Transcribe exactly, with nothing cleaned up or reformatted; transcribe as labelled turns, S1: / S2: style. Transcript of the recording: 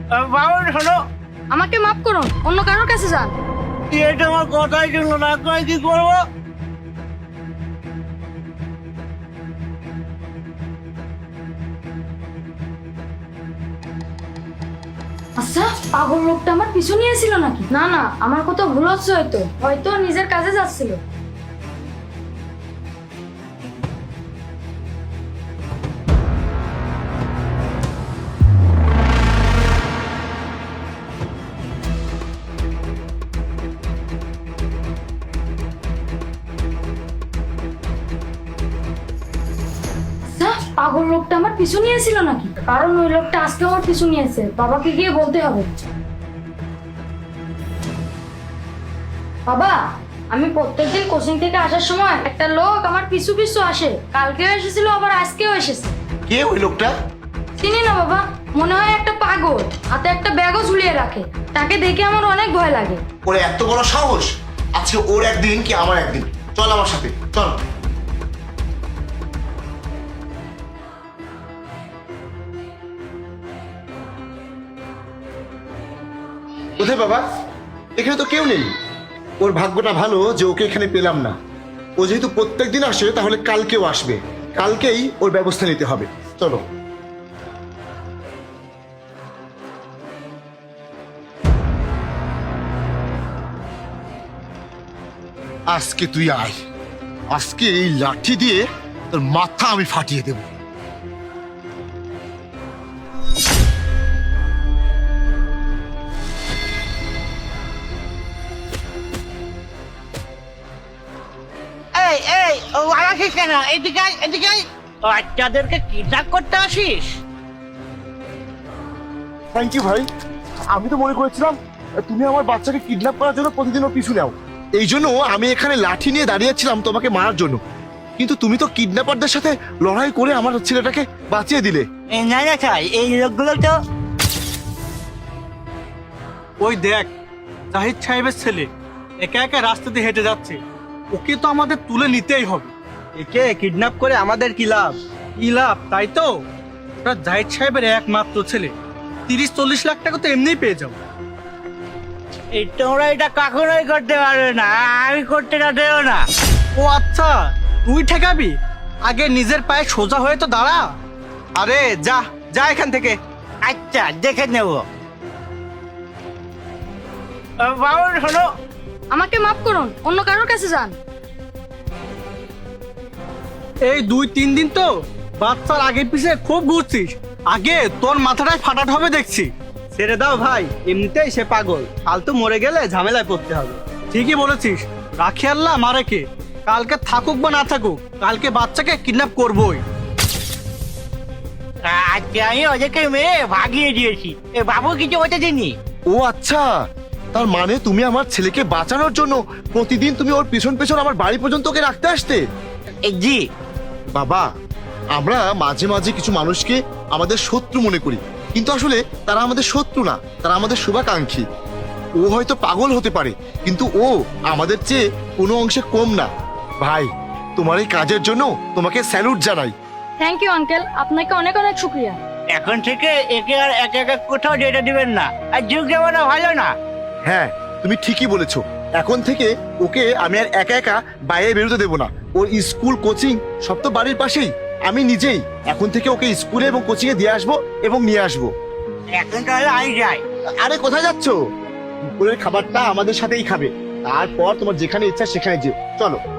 S1: বাবা শোনো,
S2: আমাকে মাফ করুন, অন্য কারোর কাছে যান।
S1: এটা আমার কথাই শুনলো না, এখন কি করবো?
S2: আচ্ছা, পাগল লোকটা আমার পিছু নিয়েছিল নাকি? না না, আমার কথা ভুল হচ্ছে, হয়তো হয়তো নিজের কাজে যাচ্ছিল। আচ্ছা, পাগল লোকটা আমার পিছু নিয়েছিল নাকি? কারণ ওই লোকটা আজকে আমার পিছু নিয়েছে, বাবাকে গিয়ে বলতে হবে। বাবা, আমি প্রত্যেকদিন কোচিং থেকে আসার সময় একটা লোক আমার পিছু পিছু আসে। কালকেও এসেছিল, আবার আজকেও এসেছে।
S3: কে ওই লোকটা?
S2: চিনি না বাবা, মনে হয় একটা পাগল, হাতে একটা ব্যাগও ঝুলিয়ে রাখে। তাকে দেখে আমার অনেক ভয় লাগে।
S3: ওর এত বড় সাহস! আজকে ওর একদিন কি আমার একদিন। চল আমার সাথে, চল। কোথায় বাবা? এখানে তো কেউ নেই। ওর ভাগ্যটা ভালো যে ওকে এখানে পেলাম না। ও যেহেতু প্রত্যেক দিন আসে, তাহলে কালকেও আসবে। কালকেই ওর ব্যবস্থা নিতে হবে। চলো। আজকে তুই আয়। আজকে এই লাঠি দিয়ে তোর মাথা আমি ফাটিয়ে দেব।
S1: এই এই ও আসিস কেন? এদিকে আয়, এদিকে আয়। বাচ্চাদেরকে কিডন্যাপ করতে আসিস?
S3: থ্যাংক ইউ ভাই। আমি তো মনে করেছিলাম তুমি আমার বাচ্চাকে কিডন্যাপ করার জন্য প্রতিদিন ওর পিছু নাও। এই জন্য আমি এখানে লাঠি নিয়ে দাঁড়িয়েছিলাম তোমাকে মারার জন্য, কিন্তু তুমি তো কিডন্যাপারদের সাথে লড়াই করে আমার ছেলেটাকে বাঁচিয়ে দিলে।
S1: এই না না চাই, এই লোকগুলো তো
S4: ওই দেখ, জাহিদ সাহেবের ছেলে একা একা রাস্তা দিয়ে হেঁটে যাচ্ছে। ওকে তো আমাদের তুলে নিতেই হবে। একে কিডন্যাপ করে আমাদের কি লাভ? কি লাভ তাই তো? ওটা জাহিদ সাহেবের একমাত্র ছেলে। তিরিশ চল্লিশ লাখ টাকা তো এমনিই পেয়ে যাবো।
S1: এই তোমরা এটা কখনোই করতে পারবে না, আমি করতে না দেবো না।
S4: ও আচ্ছা, তুই ঠেকাবি? আগে নিজের পায়ে সোজা হয়ে তো দাঁড়া। আরে যা যা এখান থেকে।
S1: আচ্ছা, দেখে নেব। বাবা শোনো,
S2: আমাকে মাফ করুন, অন্য কারোর কাছে যান।
S4: এই দুই তিন দিন তো বাচ্চার আগে পিছে খুব ঘুরছিস। আগে তোর মাথাটাই ফাটাতে হবে দেখছি। ছেড়ে দাও ভাই, এমনিতেই সে পাগল। কাল তো মরে গেলে ঝামেলায় পড়তে হবে। ঠিকই বলেছিস, রাখি আল্লাহ মারে কে। কালকে থাকুক বা না থাকুক, কালকে বাচ্চাকে কিডন্যাপ করবোই।
S1: আজকে আমি ওদেরকে মেরে ভাগিয়ে দিয়েছি। এ বাবু কিছু হতে দিনি।
S3: ও আচ্ছা, তার মানে তুমি আমার ছেলেকে বাঁচানোর জন্য প্রতিদিন তুমি ওর পিছন পেছন আমার বাড়ি পর্যন্ত ওকে রাখতে আসতে?
S1: এ, জি
S3: বাবা, আমরা মাঝে মাঝে কিছু মানুষকে আমাদের শত্রু মনে করি, কিন্তু আসলে তারা আমাদের শত্রু না, তারা আমাদের শুভাকাঙ্ক্ষী। ও হয়তো পাগল হতে পারে, কিন্তু ও আমাদের চেয়ে কোনো অংশে কম না। ভাই, তোমার এই কাজের জন্য তোমাকে স্যালুট জানাই।
S2: থ্যাংক ইউ আঙ্কেল, আপনাকে অনেক অনেক শুক্রিয়া।
S1: এখন থেকে একে আর একা একা কোথাও যেতে দিবেন না। আর যুগ যেমন ভালো না।
S3: হ্যাঁ, তুমি ঠিকই বলেছো। এখন থেকে ওকে আমি আর একা একা বাইরে বেরোতে দেবো না। ওর স্কুল কোচিং সব তো বাড়ির পাশেই। আমি নিজেই এখন থেকে ওকে স্কুলে এবং কোচিং এ দিয়ে আসবো এবং নিয়ে আসবো।
S1: এখন তাহলে আমি যাই।
S3: আরে কোথায় যাচ্ছো? দুপুরের খাবারটা আমাদের সাথেই খাবে, তারপর তোমার যেখানে ইচ্ছা সেখানে যেও। চলো।